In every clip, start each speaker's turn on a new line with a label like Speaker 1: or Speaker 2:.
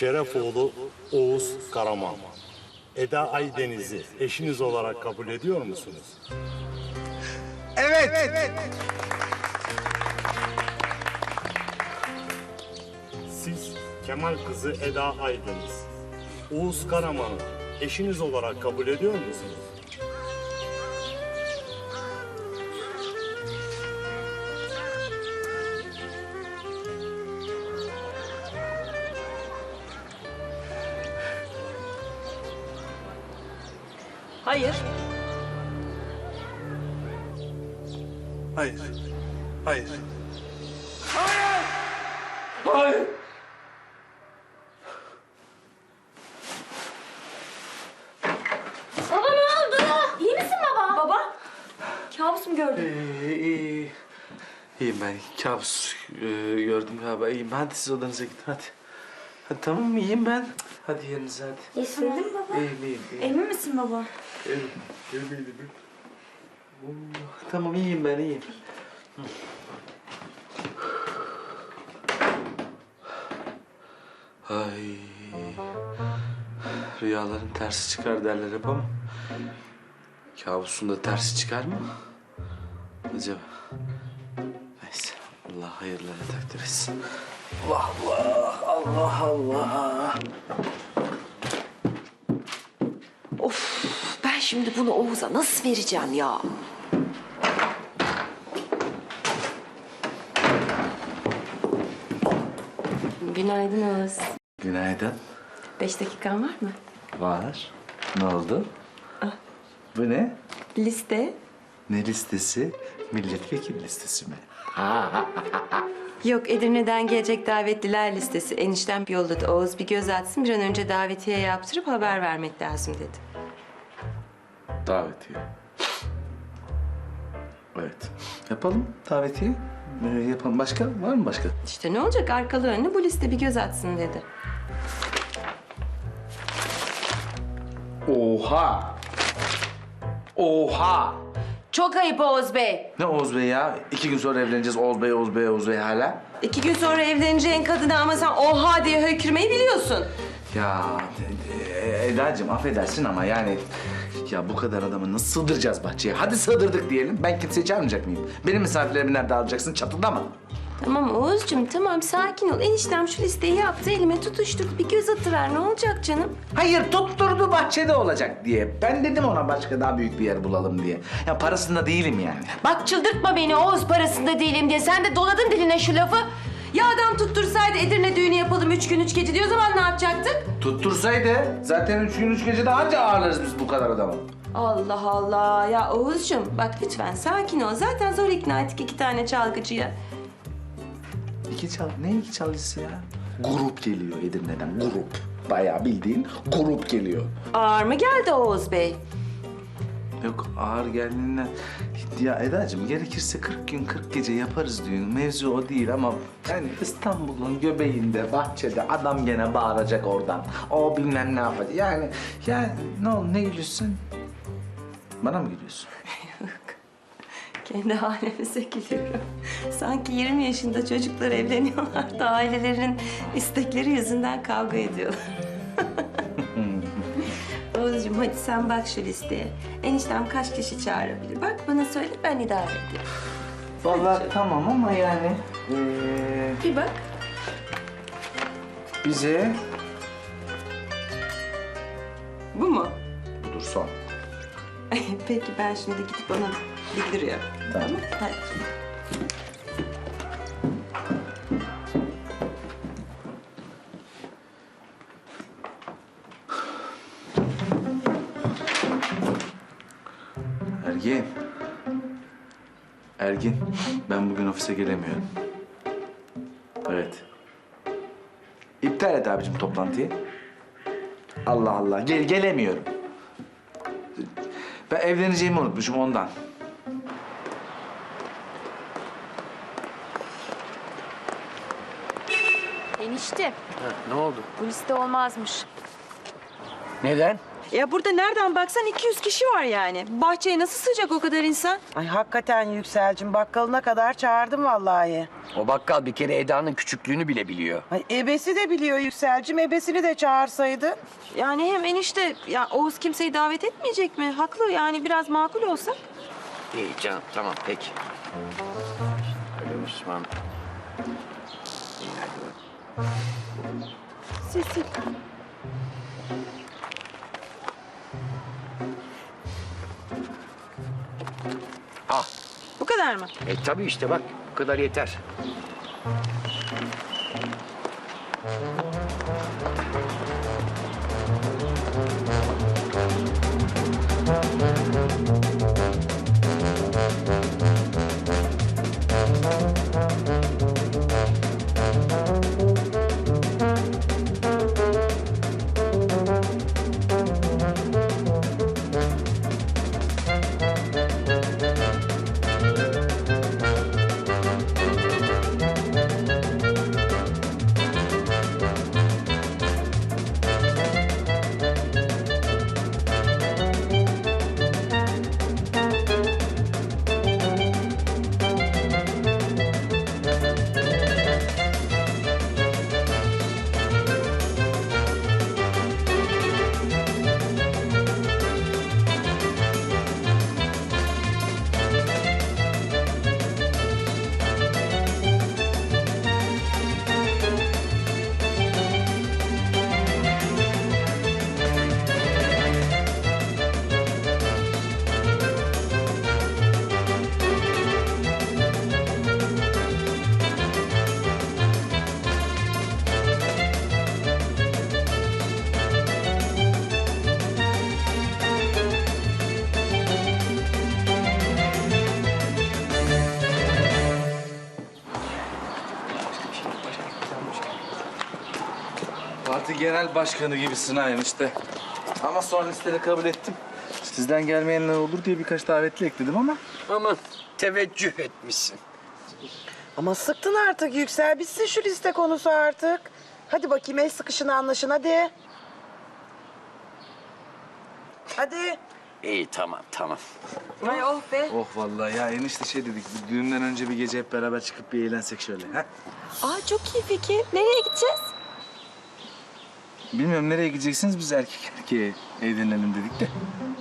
Speaker 1: Şerefoğlu Oğuz Karaman. Eda Aydeniz'i eşiniz olarak kabul ediyor musunuz?
Speaker 2: Evet.
Speaker 1: Siz Kemal kızı Eda Aydeniz, Oğuz Karaman'ı eşiniz olarak kabul ediyor musunuz?
Speaker 3: Hayır.
Speaker 2: Hayır. Hayır. Hayır. Hayır.
Speaker 3: Baba ne oldu? İyi misin baba? Baba. Kabus mu gördün?
Speaker 2: İyiyim ben. Kabus gördüm galiba. İyiyim. Hadi siz odanıza gidin hadi. Hadi tamam mı? İyiyim ben. Hadi yerinize hadi.
Speaker 3: İyisin değil mi baba?
Speaker 2: İyiyim.
Speaker 3: Emin misin baba?
Speaker 2: Eminim. Tamam iyiyim ben iyiyim. Ay. Rüyaların tersi çıkar derler hep ama kabusun da tersi çıkar mı? Acaba? Neyse. Allah hayırlara takdir etsin. Allah Allah. Allah Allah.
Speaker 4: Of, ben şimdi bunu Oğuz'a nasıl vereceğim ya?
Speaker 3: Günaydın Oğuz.
Speaker 2: Günaydın.
Speaker 3: 5 dakikan var mı?
Speaker 2: Var. Ne oldu? Bu ne?
Speaker 3: Liste.
Speaker 2: Ne listesi? Milletvekili listesi mi?
Speaker 3: Yok, Edirne'den gelecek davetliler listesi. Eniştem yolladı. Oğuz bir göz atsın. Bir an önce davetiye yaptırıp haber vermek lazım dedi.
Speaker 2: Davetiye. Evet. Yapalım davetiye. Yapalım. Başka? Var mı başka?
Speaker 3: İşte ne olacak? Arkalı önlü bu liste bir göz atsın dedi.
Speaker 2: Oha! Oha!
Speaker 4: Çok ayıp Oğuz Bey.
Speaker 2: Ne Oğuz Bey ya? 2 gün sonra evleneceğiz. Oğuz Bey, Oğuz Bey, Oğuz Bey hala.
Speaker 3: 2 gün sonra evleneceğin kadına ama sen oha diye hökürmeyi biliyorsun.
Speaker 2: Ya Eda'cığım affedersin ama yani... Ya bu kadar adamı nasıl sığdıracağız bahçeye? Hadi sığdırdık diyelim. Ben kimseyi çağırmayacak mıyım? Benim misafirlerimi nerede alacaksın? Çatıda mı?
Speaker 3: Tamam Oğuzcuğum, tamam sakin ol. Eniştem şu listeyi yaptı, elime tutuşturdu. Bir göz atıver, ne olacak canım?
Speaker 2: Hayır tutturdu bahçede olacak diye. Ben dedim ona başka daha büyük bir yer bulalım diye. Ya parasında değilim yani.
Speaker 4: Bak çıldırtma beni Oğuz parasında değilim diye. Sen de doladın diline şu lafı.
Speaker 3: Ya adam tuttursaydı Edirne düğünü yapalım 3 gün 3 gece diyor, o zaman ne yapacaktık?
Speaker 2: Tuttursaydı zaten 3 gün 3 gece daha anca ağırlarız biz bu kadar adamı.
Speaker 3: Allah Allah. Ya Oğuzcuğum bak lütfen sakin ol. Zaten zor ikna ettik 2 tane çalgıcıya.
Speaker 2: Ne iki çalgısı ya? Grup geliyor Edirne'den, grup. Bayağı bildiğin grup geliyor.
Speaker 3: Ağır mı geldi Oğuz Bey?
Speaker 2: Yok ağır geldiğinden... Ya Eda'cığım gerekirse 40 gün 40 gece yaparız düğün. Mevzu o değil ama... Yani İstanbul'un göbeğinde, bahçede adam gene bağıracak oradan. O bilmem ne yapacak. Yani ne oldu ne gülüyorsun? Bana mı gülüyorsun?
Speaker 3: Kendi halimize gülüyorum. Sanki 20 yaşında çocuklar evleniyorlar da ailelerinin istekleri yüzünden kavga ediyorlar. Oğuzcuğum hadi sen bak şu listeye. Eniştem kaç kişi çağırabilir? Bak bana söyle, ben idare edeyim.
Speaker 2: Vallahi tamam ama yani...
Speaker 3: Bir bak.
Speaker 2: bize...
Speaker 3: Bu mu?
Speaker 2: Budur son.
Speaker 3: Peki ben şimdi gidip ona bildiriyorum.
Speaker 2: Tamam.
Speaker 3: Hadi.
Speaker 2: Ergin. Ergin, ben bugün ofise gelemiyorum. Evet. İptal et abicim toplantıyı. Allah Allah, gelemiyorum. Ben evleneceğimi unutmuşum ondan.
Speaker 4: Enişte
Speaker 5: Ne oldu?
Speaker 4: bu liste olmazmış.
Speaker 5: Neden?
Speaker 3: Ya burada nereden baksan 200 kişi var yani. Bahçeye nasıl sığacak o kadar insan?
Speaker 5: Ay hakikaten Yükselcim, bakkalına kadar çağırdım vallahi.
Speaker 6: O bakkal bir kere Eda'nın küçüklüğünü bile biliyor.
Speaker 5: Ay ebesi de biliyor Yükselcim, ebesini de çağırsaydı.
Speaker 3: Yani hem enişte ya Oğuz kimseyi davet etmeyecek mi? Haklı yani biraz makul olsa.
Speaker 6: İyi canım tamam peki. Öyle Müslüman. İyi hadi.
Speaker 3: Sil.
Speaker 6: Ah
Speaker 3: Bu kadar mı?
Speaker 6: tabii işte bak bu kadar yeter.
Speaker 2: Parti genel başkanı gibisin ha enişte. Ama sonra listede kabul ettim. Sizden gelmeyenler olur diye birkaç davetli ekledim ama.
Speaker 6: Aman teveccüh etmişsin.
Speaker 5: Ama sıktın artık Yüksel, bitsin şu liste konusu artık. Hadi bakayım, el sıkışın anlaşın hadi. Hadi.
Speaker 6: İyi tamam.
Speaker 3: Ay oh be.
Speaker 2: Oh vallahi ya enişte şey dedik. Düğünden önce bir gece hep beraber çıkıp bir eğlensek şöyle. Ha?
Speaker 3: Aa çok iyi fikir. Nereye gideceğiz?
Speaker 2: Bilmiyorum nereye gideceksiniz, biz erkek erkeğe eğlenelim dedik de.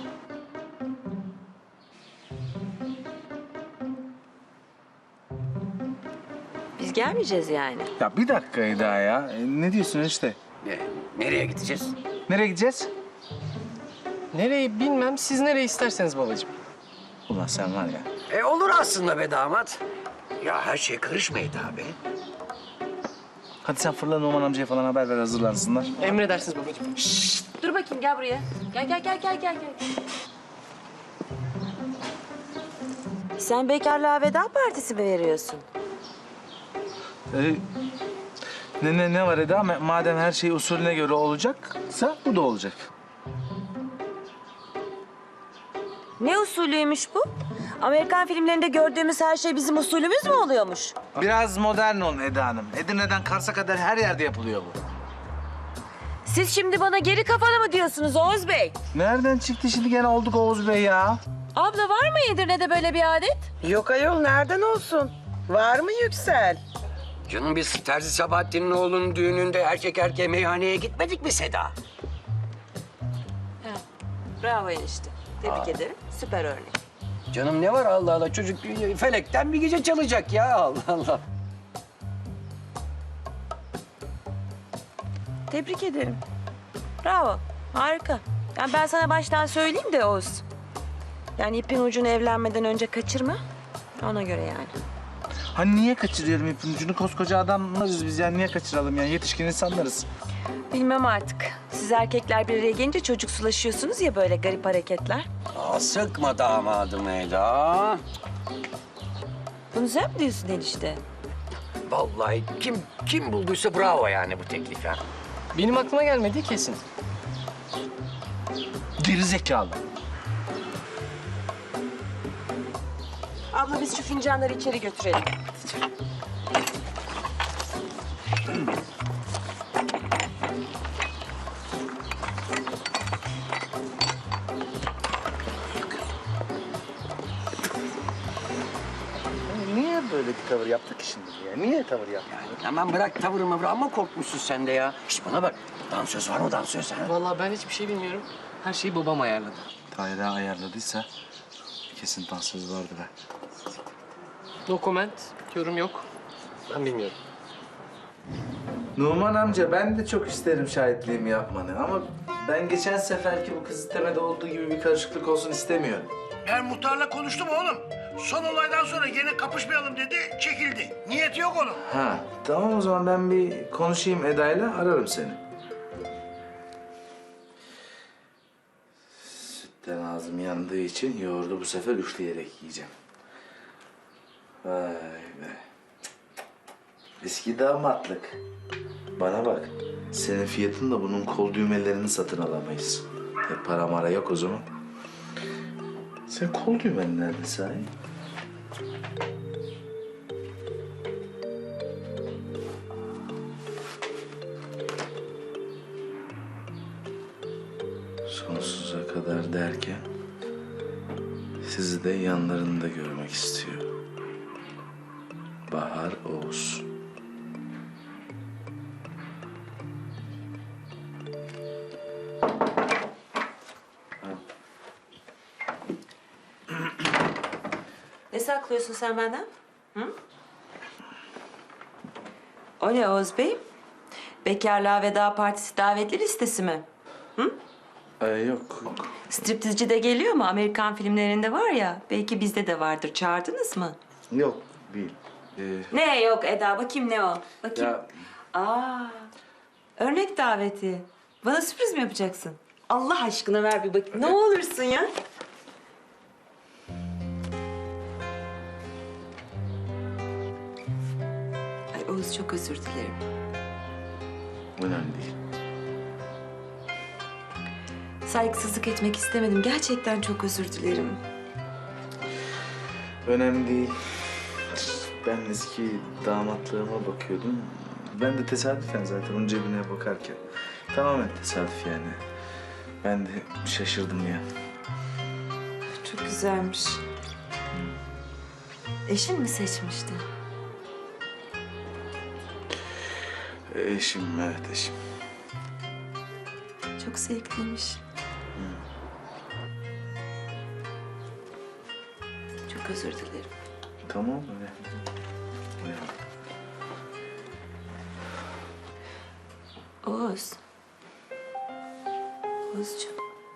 Speaker 3: Biz gelmeyeceğiz yani.
Speaker 2: Ya bir dakika Eda ya. Ne diyorsun enişte?
Speaker 6: Nereye gideceğiz?
Speaker 2: Nereye gideceğiz?
Speaker 7: Nereyi bilmem, siz nereye isterseniz babacığım.
Speaker 2: Ulan sen var ya.
Speaker 6: Olur aslında be damat. Ya her şey karışma Eda be.
Speaker 2: Hadi sen fırla Numan amcaya falan haber ver, hazırlansınlar.
Speaker 7: Emredersiniz babacığım.
Speaker 3: Dur bakayım gel buraya. Gel. Sen bekarlığa veda partisi mi veriyorsun?
Speaker 2: Ne var Eda? Madem her şey usulüne göre olacaksa bu da olacak.
Speaker 8: Ne usulüymüş bu? Amerikan filmlerinde gördüğümüz her şey bizim usulümüz mü oluyormuş?
Speaker 2: Biraz modern olun Eda Hanım. Edirne'den Kars'a kadar her yerde yapılıyor bu.
Speaker 8: Siz şimdi bana geri kafalı mı diyorsunuz Oğuz Bey?
Speaker 2: Nereden çıktı şimdi gene olduk Oğuz Bey ya?
Speaker 8: Abla var mı Edirne'de böyle bir adet?
Speaker 5: Yok ayol, nereden olsun? Var mı Yüksel?
Speaker 6: Canım biz Terzi Sabahattin'in oğlunun düğününde erkek erkeğe meyhaneye gitmedik mi Seda?
Speaker 3: Bravo enişte. Tebrik ederim. Süper örnek.
Speaker 6: Canım ne var Allah Allah çocuk felekten bir gece çalacak ya Allah Allah.
Speaker 8: Tebrik ederim. Bravo. Harika. Yani ben sana baştan söyleyeyim de Oğuz. Yani ipin ucunu evlenmeden önce kaçırma. Ona göre yani.
Speaker 2: Hani niye kaçırıyorum ipin ucunu? Koskoca adamlarız biz yani, niye kaçıralım yani? Yetişkin insanlarız.
Speaker 8: Bilmem artık. Siz erkekler bir araya gelince çocuksulaşıyorsunuz ya, böyle garip hareketler.
Speaker 6: Sıkma damadım Eda.
Speaker 8: Bunu sen mi diyorsun enişte?
Speaker 6: Vallahi kim bulduysa bravo yani bu teklifi.
Speaker 7: Benim aklıma gelmedi kesin.
Speaker 2: Geri zekalı.
Speaker 8: Abla biz şu fincanları içeri götürelim.
Speaker 2: tavır yaptık ki şimdi ya? Niye tavır yaptık?
Speaker 6: Aman bırak tavırı mavırı ama korkmuşsun sen de ya. Şş bana bak. Dansöz var mı dansöz ha?
Speaker 7: Vallahi ben hiçbir şey bilmiyorum. Her şeyi babam ayarladı.
Speaker 2: Tahir'e ayarladıysa kesin dansöz vardır ha.
Speaker 7: No comment. Yorum yok. Ben bilmiyorum.
Speaker 2: Numan amca ben de çok isterim şahitliğimi yapmanı ama ben geçen seferki bu kız istemede olduğu gibi bir karışıklık olsun istemiyorum.
Speaker 9: Ben muhtarla konuştum oğlum. Son olaydan sonra yine kapışmayalım dedi, çekildi. Niyeti yok onun.
Speaker 2: Ha tamam o zaman ben bir konuşayım Eda'yla ararım seni. Sütten ağzım yandığı için yoğurdu bu sefer üfleyerek yiyeceğim. Vay be. Eski damatlık. Bana bak. Senin fiyatınla bunun kol düğmelerini satın alamayız. Para mara yok o zaman. Sen kol düğmen nerede sahi? Sonsuza kadar derken sizi de yanlarında görmek istiyor. Bahar Oğuz.
Speaker 8: Ne saklıyorsun sen benden? Hı? O ne Oğuz Bey? Bekarlığa veda partisi davetli listesi mi?
Speaker 2: Yok.
Speaker 8: Striptizci de geliyor mu? Amerikan filmlerinde var ya. Belki bizde de vardır. Çağırdınız mı?
Speaker 2: Yok değil.
Speaker 8: Ne yok Eda? Bakayım ne o? Bakayım.
Speaker 2: Ya
Speaker 8: Aa, örnek daveti. Bana sürpriz mi yapacaksın? Allah aşkına ver bir bakayım. Ne olursun ya. Ay Oğuz çok özür dilerim.
Speaker 2: önemli değil.
Speaker 8: Saygısızlık etmek istemedim. Gerçekten çok özür dilerim.
Speaker 2: Önemli değil. Ben eski damatlığıma bakıyordum. Ben de tesadüfen zaten onun cebine bakarken. Tamamen tesadüf yani. Ben de şaşırdım ya.
Speaker 8: Çok güzelmiş. Eşin mi seçmişti?
Speaker 2: Eşim, evet eşim.
Speaker 8: Çok zevkliymiş. Çok özür dilerim.
Speaker 2: Tamam öyle.
Speaker 8: Oğuz. Oğuzcuğum.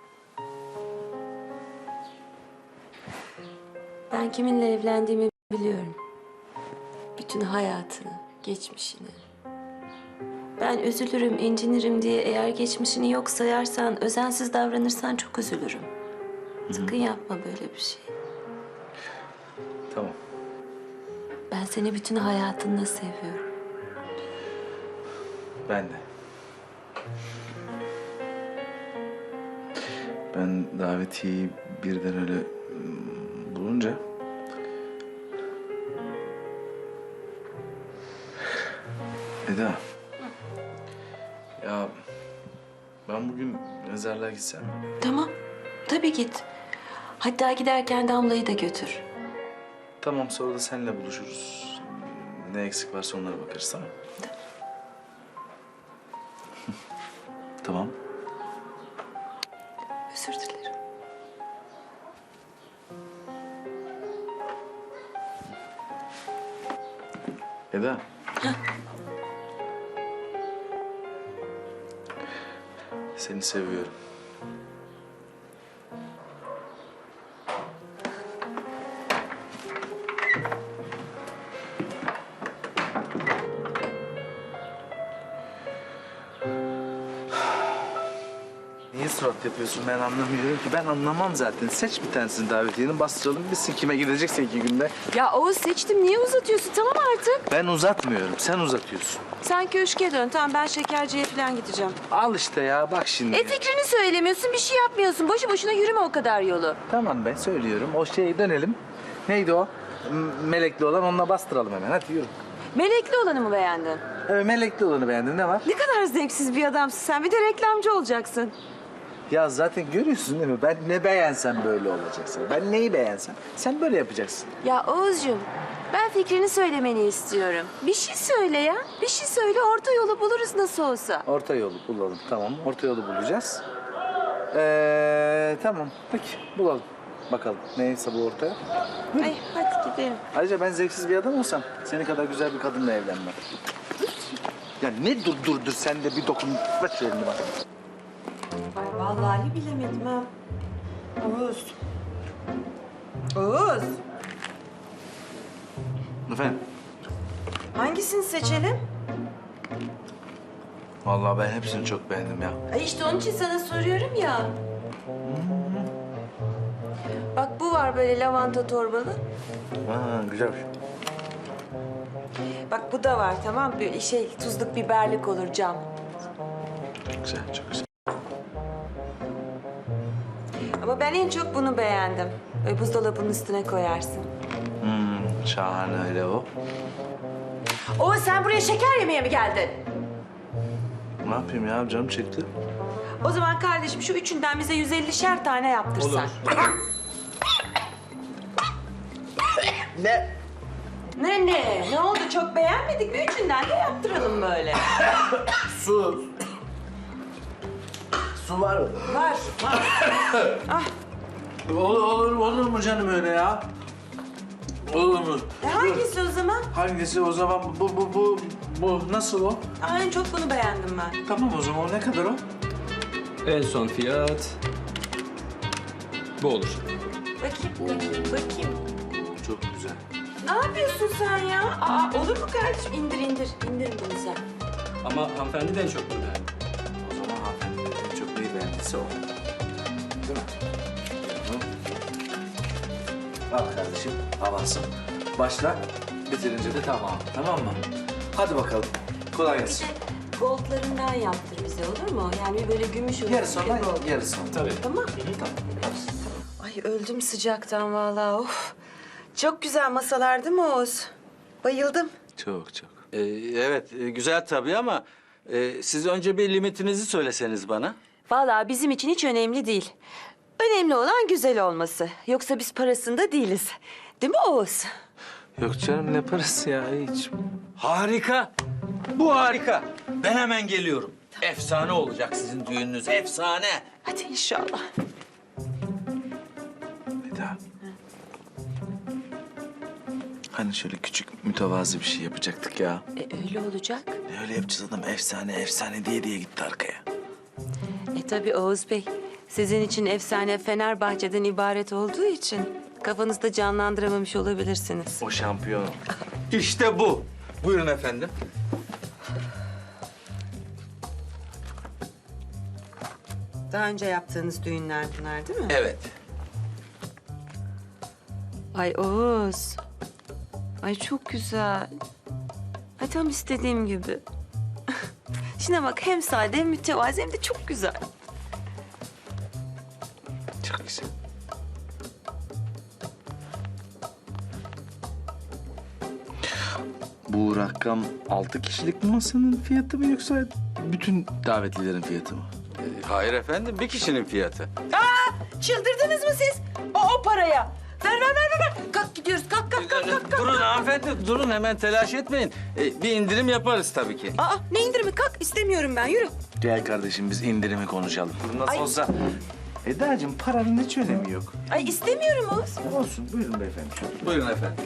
Speaker 8: Ben kiminle evlendiğimi biliyorum. Bütün hayatını, geçmişini. Ben üzülürüm, incinirim diye eğer geçmişini yok sayarsan, özensiz davranırsan çok üzülürüm. Sakın yapma böyle bir şey.
Speaker 2: Tamam.
Speaker 8: Ben seni bütün hayatınla seviyorum.
Speaker 2: Ben de. Ben davetiyeyi birden öyle bulunca... Eda. Ya ben bugün mezarlığa gitsem mi?
Speaker 8: Tamam, tabii git. Hatta giderken Damla'yı da götür.
Speaker 2: Tamam sonra da seninle buluşuruz. Ne eksik varsa onlara bakarız tamam mı? Tamam.
Speaker 8: Özür dilerim.
Speaker 2: Eda. Seni seviyorum. Niye surat yapıyorsun ben anlamıyorum ki. Ben anlamam zaten. Seç bir tanesini davetiyenin bastıralım. Bilsin kime gidecekse 2 günde.
Speaker 8: Ya Oğuz seçtim. Niye uzatıyorsun? Tamam artık.
Speaker 2: Ben uzatmıyorum. Sen uzatıyorsun.
Speaker 8: Sen köşke dön. Tamam ben şekerciye falan gideceğim.
Speaker 2: Al işte ya bak şimdi.
Speaker 8: Fikrini söylemiyorsun. Bir şey yapmıyorsun. Boşu boşuna yürüme o kadar yolu.
Speaker 2: Tamam ben söylüyorum. O şeye dönelim. Neydi o? Melekli olan onunla bastıralım hemen. Hadi yürü.
Speaker 8: Melekli olanı mı beğendin?
Speaker 2: Evet melekli olanı beğendin. Ne var?
Speaker 8: Ne kadar zevksiz bir adamsın sen. Bir de reklamcı olacaksın.
Speaker 2: Ya zaten görüyorsun değil mi? Ben ne beğensem böyle olacaksın. Ben neyi beğensem sen böyle yapacaksın.
Speaker 8: Ya Oğuzcuğum, ben fikrini söylemeni istiyorum. Bir şey söyle ya. Bir şey söyle, orta yolu buluruz nasıl olsa.
Speaker 2: Orta yolu bulalım, tamam. Orta yolu bulacağız. Tamam, peki bulalım. Bakalım neyse bu ortaya.
Speaker 8: Ay hadi gidelim.
Speaker 2: Ayrıca ben zevksiz bir adam olsam seni kadar güzel bir kadınla evlenmem. Ya ne dur sen de bir dokun. Ver şu elini bana.
Speaker 3: Ay vallahi bilemedim ha. Oğuz. Oğuz.
Speaker 2: Efendim?
Speaker 3: Hangisini seçelim?
Speaker 2: Vallahi ben hepsini çok beğendim ya.
Speaker 8: Ay işte onun için sana soruyorum ya. Bak bu var böyle lavanta torbalı.
Speaker 2: Ha, güzelmiş.
Speaker 8: Bak bu da var tamam böyle tuzluk biberlik olur cam.
Speaker 2: Güzel, çok güzel.
Speaker 8: Ama ben en çok bunu beğendim. Böyle buzdolabının üstüne koyarsın.
Speaker 2: Şahane öyle o.
Speaker 8: Oo sen buraya şeker yemeye mi geldin?
Speaker 2: Ne yapayım ya, canım çekti.
Speaker 8: O zaman kardeşim şu üçünden bize 150'şer tane yaptırsan.
Speaker 2: Ne?
Speaker 8: Ne? Ne oldu? Çok beğenmedik mi? Üçünden de yaptıralım böyle.
Speaker 2: Su. Su var mı?
Speaker 8: Var.
Speaker 2: Olur mu canım öyle ya? Olur mu?
Speaker 8: Hangisi o zaman?
Speaker 2: Hangisi o zaman? Bu nasıl o?
Speaker 8: Aa, en çok bunu beğendim ben.
Speaker 2: Tamam o zaman, o ne kadar o?
Speaker 7: En son fiyat bu olur.
Speaker 8: Bakayım.
Speaker 2: Çok güzel.
Speaker 8: Ne yapıyorsun sen ya? Aa, olur mu kardeşim? İndir bunu sen.
Speaker 7: Ama hanımefendi de en çok bunu beğendi.
Speaker 2: O zaman hanımefendi en çok neyi beğendiyse o. Değil mi? Al kardeşim, avansın. Başla, bitirince de tamam mı? Hadi bakalım, kolay gelsin.
Speaker 8: Goldlarından yaptır bize olur mu? Yani böyle gümüş olur.
Speaker 2: Yarısı ondan, yarısı ondan.
Speaker 7: Tabii.
Speaker 8: Tamam.
Speaker 3: Ay öldüm sıcaktan vallahi of. Çok güzel masalar değil mi Oğuz? Bayıldım.
Speaker 2: Çok.
Speaker 10: Evet, güzel tabii ama siz önce bir limitinizi söyleseniz bana.
Speaker 8: Vallahi bizim için hiç önemli değil. Önemli olan güzel olması. Yoksa biz parasında değiliz. Değil mi Oğuz?
Speaker 2: Yok canım, ne parası ya hiç.
Speaker 10: Harika. Bu harika. Ben hemen geliyorum. Efsane olacak sizin düğününüz, efsane.
Speaker 8: Hadi inşallah.
Speaker 2: Eda. Hani şöyle küçük mütevazı bir şey yapacaktık ya.
Speaker 8: Öyle olacak.
Speaker 2: Ne öyle yapacağız, adam efsane diye gitti arkaya.
Speaker 8: Tabii Oğuz Bey. Sizin için efsane Fenerbahçe'den ibaret olduğu için kafanızda canlandıramamış olabilirsiniz.
Speaker 2: O şampiyon.
Speaker 10: İşte bu. Buyurun efendim.
Speaker 3: Daha önce yaptığınız düğünler bunlar değil mi?
Speaker 10: Evet.
Speaker 8: Ay Oğuz. Ay çok güzel. Ay tam istediğim gibi. Şuna bak hem sade hem mütevazi hem de çok güzel.
Speaker 2: Çok güzel. Bu rakam 6 kişilik masanın fiyatı mı yoksa bütün davetlilerin fiyatı mı?
Speaker 10: Hayır efendim, bir kişinin fiyatı.
Speaker 8: Çıldırdınız mı siz? O paraya. Ver. Kalk gidiyoruz. Kalk.
Speaker 10: Durun hanımefendi, durun hemen telaş etmeyin. Bir indirim yaparız tabii ki.
Speaker 8: Aa ne indirimi? Kalk istemiyorum ben. Yürü.
Speaker 2: Gel kardeşim, biz indirimi konuşalım. Nasıl olsa... Eda'cığım, paranın hiç önemi yok.
Speaker 8: Ay istemiyorum Oğuz.
Speaker 2: Olsun, buyurun beyefendi.
Speaker 10: Buyurun efendim.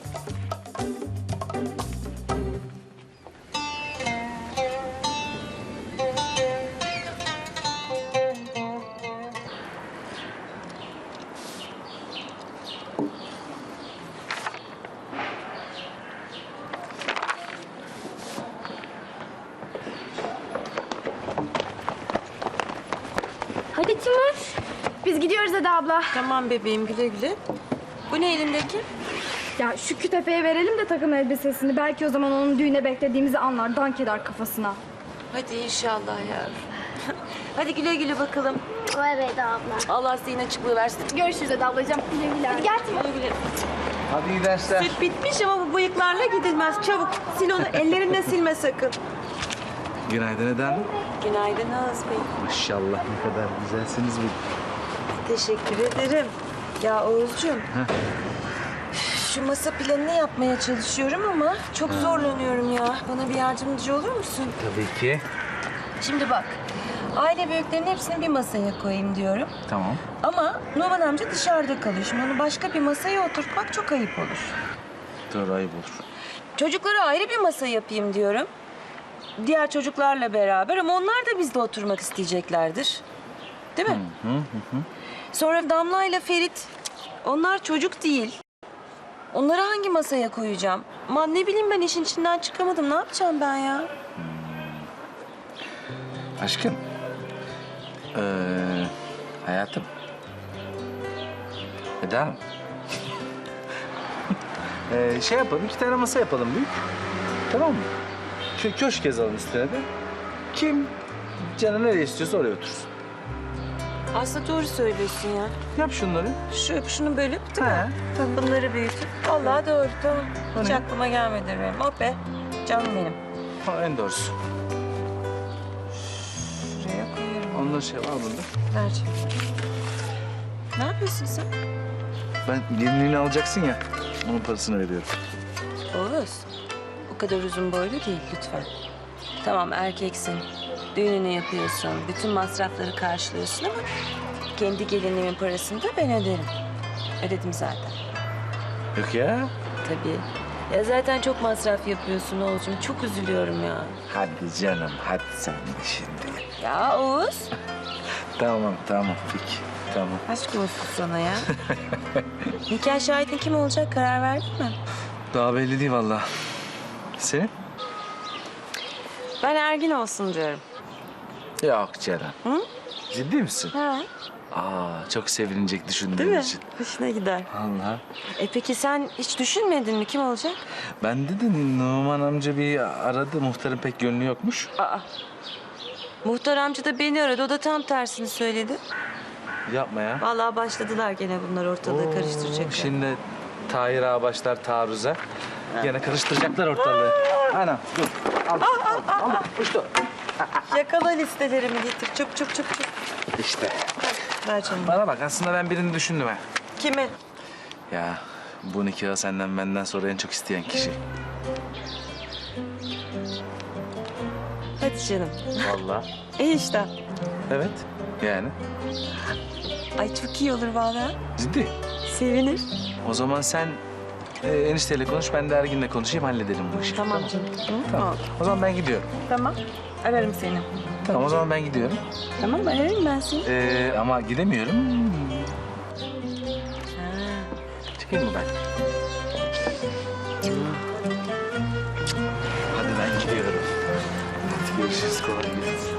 Speaker 11: Hadi Timur. Biz gidiyoruz Eda abla.
Speaker 8: Tamam bebeğim güle güle. Bu ne elindeki?
Speaker 11: Ya şu kütefeye verelim de takım elbisesini. Belki o zaman onun düğüne beklediğimizi anlar. Dank eder kafasına.
Speaker 8: Hadi inşallah yavrum. Hadi güle güle bakalım.
Speaker 11: Evet Eda abla.
Speaker 8: Allah zihin açıklığı versin.
Speaker 11: Görüşürüz Eda ablacığım. Güle güle. Hadi gel Timur.
Speaker 8: Güle güle.
Speaker 2: Hadi iyi dersler.
Speaker 3: Süt bitmiş ama bu bıyıklarla gidilmez. Çabuk sil onu ellerinle silme sakın.
Speaker 2: Günaydın Eda Hanım.
Speaker 8: Günaydın Oğuz Bey.
Speaker 2: Maşallah, ne kadar güzelsiniz bu.
Speaker 3: Teşekkür ederim. Ya Oğuzcuğum. şu masa planını yapmaya çalışıyorum ama çok zorlanıyorum ya. Bana bir yardımcı olur musun?
Speaker 2: Tabii ki.
Speaker 3: Şimdi bak, aile büyüklerinin hepsini bir masaya koyayım diyorum.
Speaker 2: Tamam.
Speaker 3: Ama Numan amca dışarıda kalıyor. Şimdi onu başka bir masaya oturtmak çok ayıp olur.
Speaker 2: Doğru, ayıp olur.
Speaker 3: Çocuklara ayrı bir masa yapayım diyorum. Diğer çocuklarla beraber ama onlar da bizde oturmak isteyeceklerdir. Değil mi? Sonra Damla ile Ferit, onlar çocuk değil. Onları hangi masaya koyacağım? Aman ne bileyim ben işin içinden çıkamadım. Ne yapacağım ben ya?
Speaker 2: Aşkım. Hayatım. Eda Hanım. Şey yapalım, 2 tane masa yapalım büyük. Tamam mı? Şöyle köşk yazalım üstüne de. Kim canı nereye istiyorsa oraya otursun.
Speaker 3: Aslında doğru söylüyorsun ya.
Speaker 2: Yap şunları.
Speaker 3: Şunu bölüp değil
Speaker 2: He.
Speaker 3: mi? Bunları büyütüp. Vallahi doğru tamam. Hiç
Speaker 2: ne?
Speaker 3: aklıma gelmedi benim. Oh be. Canım benim.
Speaker 2: Ha, en doğrusu.
Speaker 3: Şuraya koyuyorum.
Speaker 2: Onları şey var bunda.
Speaker 3: Ver. Ne yapıyorsun sen?
Speaker 2: Ben gelinliğini alacaksın ya. Onun parasını veriyorum.
Speaker 3: Oğuz, o kadar uzun boylu değil lütfen. Tamam erkeksin, düğününü yapıyorsun, bütün masrafları karşılıyorsun ama... ...kendi gelinimin parasını da ben öderim. Ödedim zaten.
Speaker 2: Yok ya.
Speaker 3: Tabii. Ya zaten çok masraf yapıyorsun Oğuz'cum, çok üzülüyorum ya.
Speaker 2: Hadi canım, hadi sen de şimdi.
Speaker 3: Ya Oğuz,
Speaker 2: Tamam, peki. Tamam.
Speaker 3: aşk olsun sana ya. Nikah şahidin kim olacak, karar verdin mi?
Speaker 2: Daha belli değil vallahi. Senin?
Speaker 3: Ben Ergin olsun diyorum.
Speaker 2: Yok Ceren.
Speaker 3: Hı?
Speaker 2: Ciddi misin?
Speaker 3: Ha,
Speaker 2: Çok sevinecek
Speaker 3: değil
Speaker 2: düşündüğün
Speaker 3: mi?
Speaker 2: için.
Speaker 3: Hoşuna gider.
Speaker 2: Allah.
Speaker 3: Peki sen hiç düşünmedin mi kim olacak?
Speaker 2: Ben dedim Numan amca bir aradı. Muhtarın pek gönlü yokmuş.
Speaker 3: Muhtar amca da beni aradı. O da tam tersini söyledi.
Speaker 2: Yapma ya.
Speaker 3: Vallahi başladılar gene bunlar ortalığı karıştıracaklar.
Speaker 2: Şimdi Tahir ağa başlar taarruza. Gene karıştıracaklar ortalığı. Anam dur. Al. Uçtu.
Speaker 3: Yakala listelerimi getir. Çabuk.
Speaker 2: İşte.
Speaker 3: Ver canım.
Speaker 2: Bana bak aslında ben birini düşündüm ha.
Speaker 3: Kimi?
Speaker 2: Ya bu nikahı senden benden sonra en çok isteyen kişi.
Speaker 3: Hadi canım.
Speaker 2: Vallahi.
Speaker 3: İyi işte.
Speaker 2: Evet. Yani.
Speaker 3: Ay çok iyi olur vallahi.
Speaker 2: Ciddi.
Speaker 3: Sevinir.
Speaker 2: O zaman sen enişteyle konuş, ben de Ergin'le konuşayım, halledelim bu işi.
Speaker 3: Tamam canım.
Speaker 2: Tamam. O zaman ben gidiyorum.
Speaker 3: Tamam. Ararım seni.
Speaker 2: Tamam, o zaman ben gidiyorum.
Speaker 3: Tamam ararım ben seni.
Speaker 2: Ama gidemiyorum. Çıkayım mı ben? Hadi ben gidiyorum. Hadi görüşürüz, kolay gelsin.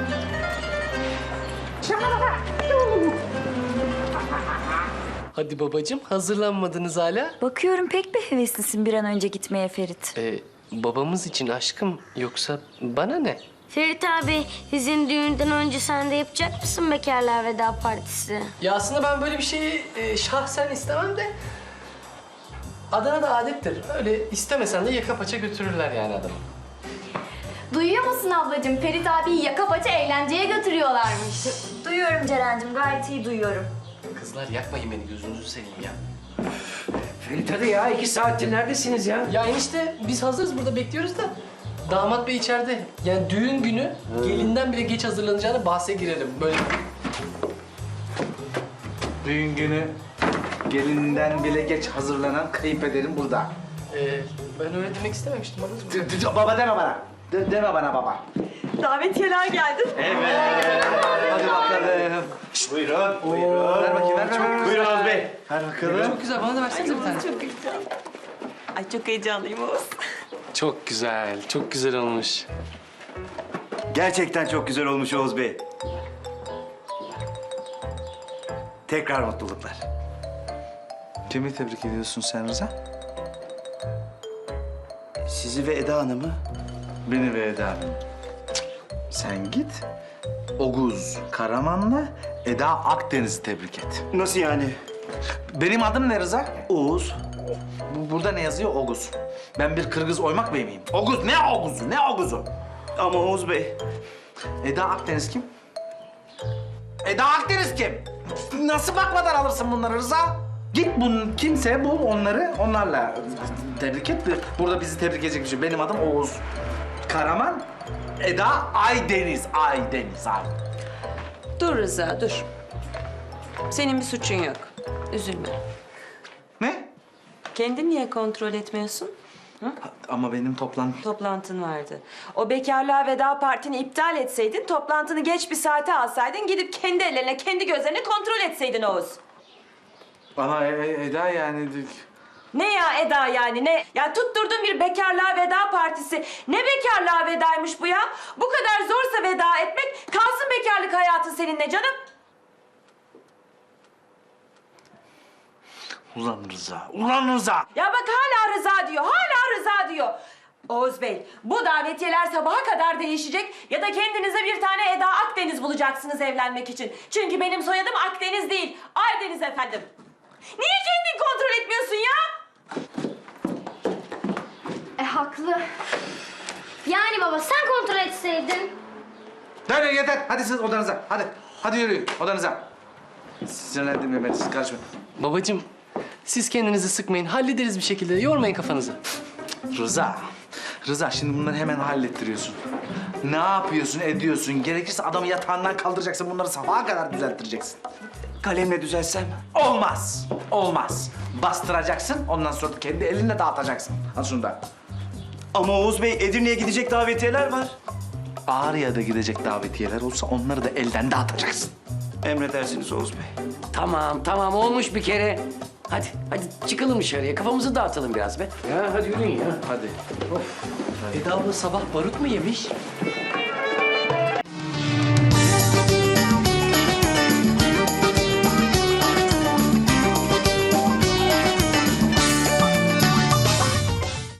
Speaker 7: Hadi babacığım, hazırlanmadınız hala.
Speaker 11: Bakıyorum pek bir heveslisin bir an önce gitmeye Ferit.
Speaker 7: Babamız için aşkım, yoksa bana ne?
Speaker 12: Ferit abi, bizim düğünden önce sen de yapacak mısın bekarlar veda partisi?
Speaker 7: Ya aslında ben böyle bir şeyi şahsen istemem de... Adana'da adettir. Öyle istemesen de yaka paça götürürler yani adamı.
Speaker 11: Duyuyor musun ablacığım? Ferit abiyi yaka paça eğlenceye götürüyorlarmış. Duyuyorum Ceren'cim, gayet iyi duyuyorum.
Speaker 7: Kızlar yakmayın beni, gözünüzü seveyim ya.
Speaker 6: Ferit hadi ya 2 saattir neredesiniz ya?
Speaker 7: Ya enişte biz hazırız burada bekliyoruz da. Damat bey içeride. Yani düğün günü gelinden bile geç hazırlanacağını bahse girelim. Böyle
Speaker 2: Düğün günü gelinden bile geç hazırlanan kayınpederim burada.
Speaker 7: ben öyle demek istememiştim anladın mı?
Speaker 2: Baba deme bana. Deme bana baba.
Speaker 3: Davetiyeler geldi.
Speaker 2: Hadi bakalım. Buyurun. Ver bakayım, ver. Buyurun Oğuz Bey. Ver bakalım.
Speaker 7: Çok güzel, bana da versenize bir tane.
Speaker 3: Ay çok heyecanlıyım Oğuz.
Speaker 7: Çok güzel, çok güzel olmuş.
Speaker 13: Gerçekten çok güzel olmuş Oğuz Bey. Tekrar mutluluklar.
Speaker 2: Kimi tebrik ediyorsun sen Rıza?
Speaker 13: Sizi ve Eda Hanım'ı.
Speaker 2: Beni ve Eda. Sen git. Oguz Karaman'la Eda Akdeniz'i tebrik et.
Speaker 13: Nasıl yani?
Speaker 2: Benim adım ne Rıza?
Speaker 13: Oğuz.
Speaker 2: Burada ne yazıyor? Oguz. Ben bir Kırgız oymak bey miyim? Oguz, ne Oguz'u, ne Oguz'u?
Speaker 13: Ama Oğuz Bey.
Speaker 2: Eda Akdeniz kim? Eda Akdeniz kim? Nasıl bakmadan alırsın bunları Rıza? Git bunun kimse bul onları, onlarla tebrik et. Burada bizi tebrik edecek bir şey. Benim adım Oğuz Karaman, Eda Aydeniz. Aydeniz.
Speaker 3: Dur Rıza, dur. Senin bir suçun yok. Üzülme.
Speaker 2: Ne?
Speaker 3: Kendin niye kontrol etmiyorsun?
Speaker 2: Ama benim
Speaker 3: Toplantın vardı. O bekarlığa veda partini iptal etseydin, toplantını geç bir saate alsaydın, gidip kendi ellerine, kendi gözlerine kontrol etseydin Oğuz.
Speaker 2: Ama Eda yani...
Speaker 3: Ne ya Eda yani ne? Ya tutturdun bir bekarlığa veda partisi. Ne bekarlığa vedaymış bu ya? Bu kadar zorsa veda etmek, kalsın bekarlık hayatın seninle canım.
Speaker 2: Ulan Rıza, ulan Rıza!
Speaker 3: Ya bak hala Rıza diyor, hala Rıza diyor. Oğuz Bey, bu davetiyeler sabaha kadar değişecek ya da kendinize bir tane Eda Akdeniz bulacaksınız evlenmek için. Çünkü benim soyadım Akdeniz değil, Aydeniz efendim. Niye kendin kontrol etmiyorsun ya?
Speaker 11: Haklı. Yani baba sen kontrol etseydin.
Speaker 2: Dur yeter, hadi siz odanıza, hadi. Hadi yürüyün odanıza. Sinirlendirme beni, siz karışmayın.
Speaker 7: Babacığım, siz kendinizi sıkmayın. Hallederiz bir şekilde. Yormayın kafanızı.
Speaker 2: Rıza şimdi bunları hemen hallettiriyorsun. Ne yapıyorsun, ediyorsun? Gerekirse adamı yatağından kaldıracaksın, bunları sabaha kadar düzelttireceksin.
Speaker 13: Kalemle düzelsem?
Speaker 2: Olmaz. Bastıracaksın, ondan sonra kendi elinle dağıtacaksın. Al şunu da.
Speaker 13: Ama Oğuz Bey, Edirne'ye gidecek davetiyeler var.
Speaker 2: Ağrı'ya da gidecek davetiyeler olsa onları da elden dağıtacaksın.
Speaker 13: Emredersiniz Oğuz Bey.
Speaker 6: Tamam olmuş bir kere. Hadi çıkalım dışarıya. Kafamızı dağıtalım biraz be. Ya hadi yürüyün ya.
Speaker 2: Hadi.
Speaker 7: Eda abla sabah barut mu yemiş?